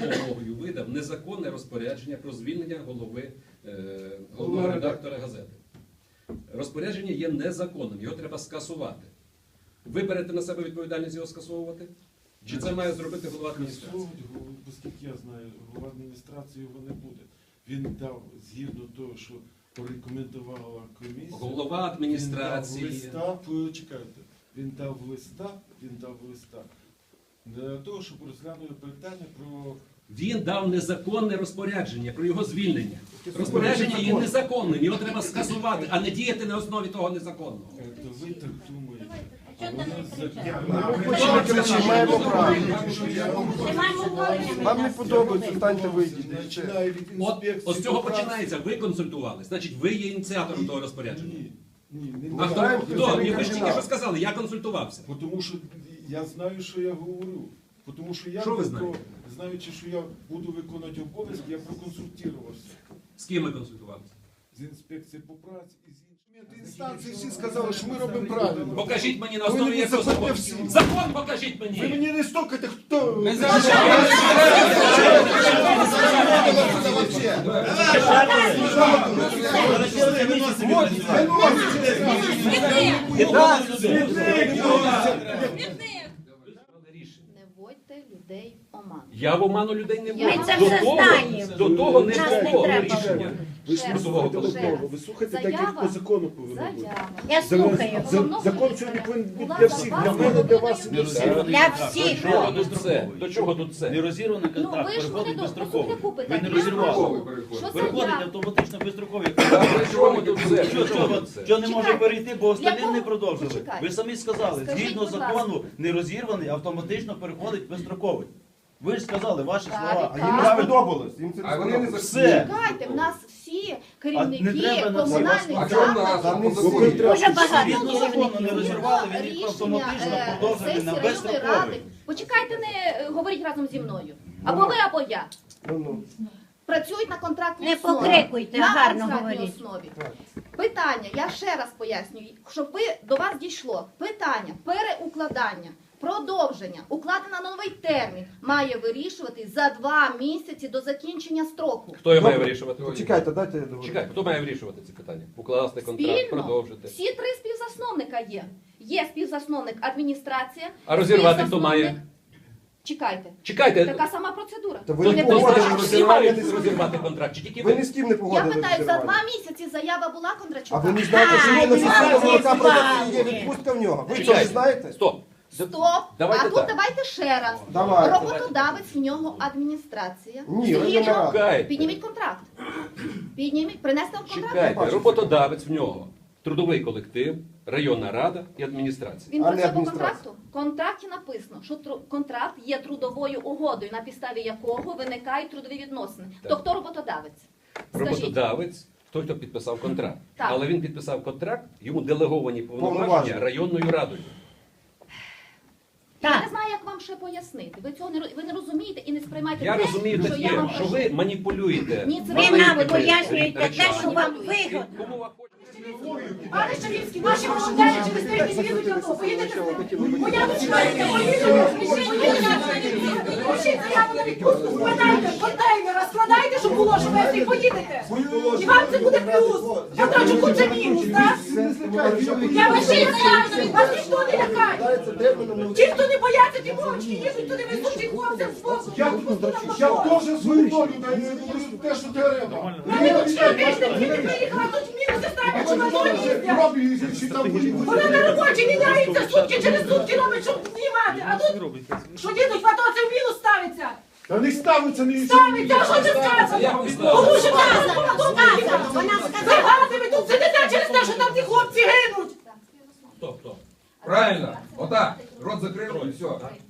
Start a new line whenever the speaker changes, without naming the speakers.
вимогою видав незаконне розпорядження про звільнення головного редактора газети. Розпорядження є незаконним, його треба скасувати. Ви берете на себе відповідальність його скасовувати? Чи це має зробити голова адміністрації?
Оскільки я знаю, голова адміністрації його не буде. Він дав, згідно того, що порекомендувала комісія,
Голова адміністрації.
Він дав листа для того, щоб розглянули питання про...
Він дав незаконне розпорядження про його звільнення. Розпорядження є незаконним, його треба скасувати, а не діяти на основі того незаконного.
То ви так думаєте.
Вам не подобається, станьте вийдіть.
От з цього починається. Ви консультували, значить ви є ініціатором того розпорядження.
Ні.
А хто? Ви ж тільки що сказали, я консультувався.
Тому що я знаю, що я говорю. Тому що я,
що ви знаєте?
знаючи, що я буду виконувати обов'язки, я проконсультувався.
З ким ви консультувалися?
З інспекції по праці і з іншими.
Інстанції всі сказали, що ми робимо правильно.
Покажіть мені на основі якого закону. Закон покажіть мені!
Ви мені не стукайте, хто?
Не вводьте людей в оману.
Я в оману людей не
Ми
вводжу.
це все знаємо.
До того не
Нас не
було
треба
рішення.
Ви
Ще
ж слухайте
раз, ще раз.
ви слухайте так, як
Заява.
по закону повинно бути.
Заява.
Я слухаю.
Закон сьогодні повинен бути для всіх, для мене, для вас.
Для всіх.
До чого тут це?
Нерозірваний
Ну
контракт
ви ж
переходить
мене
безстроково.
доступне
Ви
питання.
не розірвали.
Що
Переходить
заява?
автоматично безстроково.
Чого тут це?
Що не може
Чекайте.
перейти, бо остальні
Якого?
не продовжили.
Почекайте.
Ви самі сказали,
Скажіть,
згідно
будь ласка.
закону, нерозірваний автоматично переходить безстроковий. Ви ж сказали ваші
Так,
слова.
А їм не
Так.
сподобалось. Їм це не сподобалось.
Все.
Чекайте, в нас всі
А не
керівники
треба на це
комунальних
вас
закладів.
Там не всі.
Дуже багато
Згідно закону не розірвали, він їх
Рішення,
автоматично продовжили
сесії
на
районної
безстроковий.
ради. Почекайте, не говоріть разом зі мною. Або ви, або я.
Ну.
Працюють на контрактній
Не
основі.
покрикуйте,
на
гарно
контрактній
говоріть.
основі. Питання, я ще раз пояснюю, щоб ви до вас дійшло. Питання переукладання, продовження, укладення на новий термін має вирішувати за 2 місяці до закінчення строку.
Хто його має вирішувати?
Чекайте, дайте я договорю.
Чекай, хто має вирішувати ці питання? Укласти контракт,
Спільно.
продовжити.
Всі 3 співзасновника є. Є співзасновник адміністрація.
А розірвати хто
співзасновник-
має?
Чекайте.
Чекайте,
Така сама процедура.
Та ви
то
не
значить
погодились
всі
розірвати.
мають розірвати контракт, чи тільки
Ви
ви?
ні з ким не
Я
погодились.
питаю, за 2
розірвати.
місяці заява була Кондрачука?
А ви не знаєте, що є на сільського молока продукції, є відпустка в нього? Ви що, не
Чекайте.
знаєте?
Стоп.
Стоп!
Давайте
А тут
так.
давайте ще раз.
Давайте.
Роботодавець в нього адміністрація.
Ні, районна рада.
Чекайте.
Підніміть контракт. Підніміть, принести вам контракт.
Чекайте, роботодавець в нього. Трудовий колектив, районна рада і адміністрація.
Він
А не
працює по
адміністрація.
контракту. В контракті написано, що контракт є трудовою угодою, на підставі якого виникають трудові відносини.
Так.
То хто роботодавець? Скажіть.
Роботодавець, той, хто підписав контракт.
Так.
Але він підписав контракт, йому делеговані повноваження
Повноваження.
районною радою.
Я
Так.
не знаю, як вам ще пояснити. Ви цього ви не розумієте і не сприймаєте
Я
те,
розумію
що я
таке,
вам
що
кажу.
ви маніпулюєте.
Ні, це
Ви
ви
нам
маніпулюєте.
пояснюєте те, що вам вигодно.
Кому ви хочете?
Пане Шавінський, наші волонтери через тиждень їдуть на то. Поїдете з ними? Моя дочка йде, пишіть заяву на відпустку, складайте контейнер, складайте, щоб було, що ви всі поїдете. І вам це буде плюс. Контрачуку це мінус, так? Я пишіть заяву на відпустку, вас ніхто не лякає. Ті, хто не бояться, ті мовчки їдуть туди, везуть хлопцям з боку.
Я теж свою долю даю, те, що треба.
Мене дочка тиждень їде, приїхала, тут мінуси ставлять, що на долі їздять. Вона на робочі міняється, сутки через сутки робить, щоб знімати. А тут, що дідуть, а то це в мінус ставиться.
Та не ставиться, не
Ставиться, а що це сказано? Тому що вона сказала, ви тут сидите через те, що там ті хлопці гинуть.
Хто?
Правильно. Отак. Рот закрив і все.